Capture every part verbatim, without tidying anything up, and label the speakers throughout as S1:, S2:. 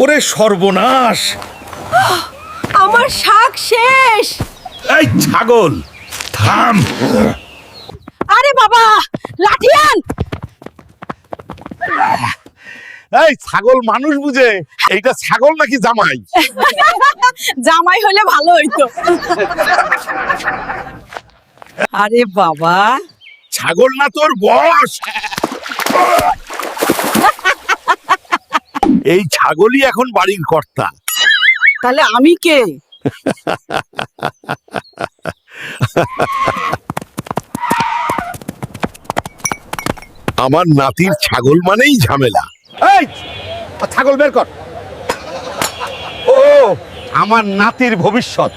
S1: ওরে সর্বনাশ,
S2: আমার শাক শেষ।
S1: এই ছাগল থাম।
S2: আরে বাবা, লাঠি আন।
S1: এই ছাগল মানুষ বুঝে, এইটা ছাগল নাকি জামাই?
S2: জামাই হলে ভালো হইতো। আরে বাবা,
S1: ছাগল না তোর বস। এই ছাগলই এখন বাড়ির কর্তা।
S2: তাহলে আমি কে?
S1: আমার নাতির ছাগল মানেই ঝামেলা। এই ছাগল বের কর। ও আমার নাতির ভবিষ্যৎ।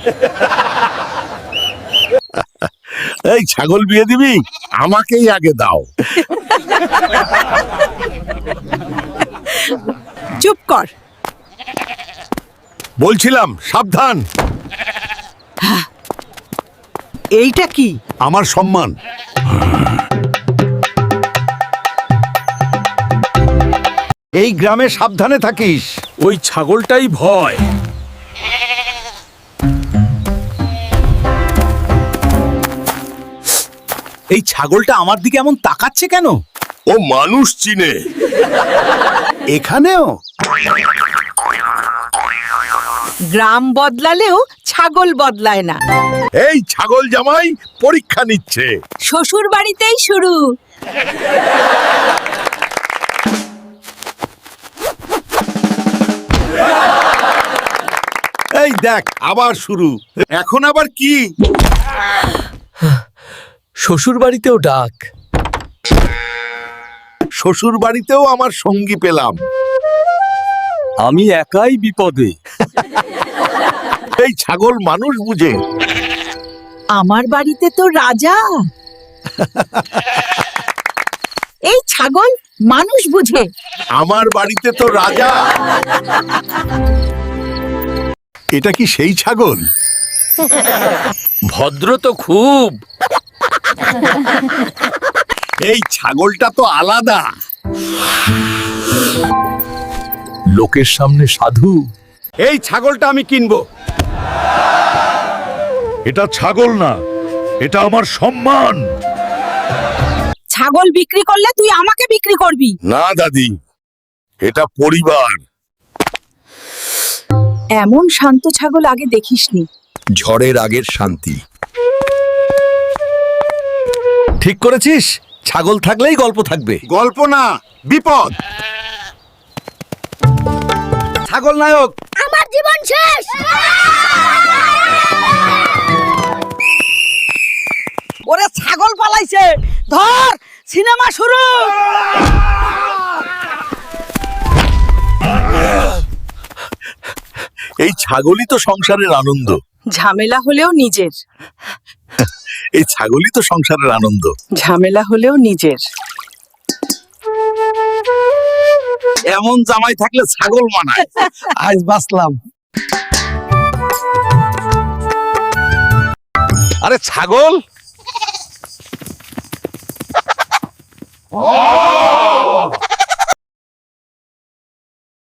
S1: এই ছাগল বিয়ে দিবি? আমাকেই আগে দাও।
S2: চুপ কর।
S1: বলছিলাম সাবধান।
S2: এইটা কি?
S1: আমার সম্মান। এই গ্রামে সাবধানে থাকিস। ওই ছাগলটাই ভয়।
S3: এই ছাগলটা আমার দিকে এমন তাকাচ্ছে কেন?
S1: ও মানুষ চিনে। এখানেও
S2: গ্রাম বদলালেও ছাগল বদলায় না।
S1: এই ছাগল জামাই পরীক্ষা নিচ্ছে।
S2: শ্বশুর বাড়িতেই শুরু।
S1: এই দেখ আবার শুরু। এখন আবার কি?
S3: শ্বশুর বাড়িতেও ডাক।
S1: শ্বশুর বাড়িতেও আমার সঙ্গী পেলাম।
S3: আমি একাই বিপদে।
S1: এই ছাগল মানুষ বুঝে।
S2: আমার বাড়িতে তো রাজা। এই ছাগল মানুষ বুঝে।
S1: আমার বাড়িতে তো রাজা। এটা কি সেই ছাগল?
S3: ভদ্র তো খুব।
S1: এই ছাগলটা তো আলাদা।
S3: লোকের সামনে সাধু।
S1: এই ছাগলটা আমি কিনবো। এটা ছাগল না, এটা আমার সম্মান।
S2: ছাগল বিক্রি করলে তুই আমাকে বিক্রি করবি।
S1: না দাদি, এটা পরিবার।
S2: এমন শান্ত ছাগল আগে দেখিসনি।
S1: ঝড়ের আগের শান্তি।
S3: ঠিক করেছিস, ছাগল থাকলেই গল্প থাকবে।
S1: গল্প না, বিপদ।
S3: ছাগল নায়ক।
S2: আমার জীবন শেষ। ওরে ছাগল পালাইছে, ধর। সিনেমা শুরু।
S1: এই ছাগলই তো সংসারের আনন্দ।
S2: ঝামেলা হলেও নিজের।
S1: এই ছাগলই তো সংসারের আনন্দ।
S2: ঝামেলা হলেও নিজের।
S1: এমন জামাই থাকলে ছাগল মানায়।
S3: আজ বাঁচলাম।
S1: আরে ছাগল,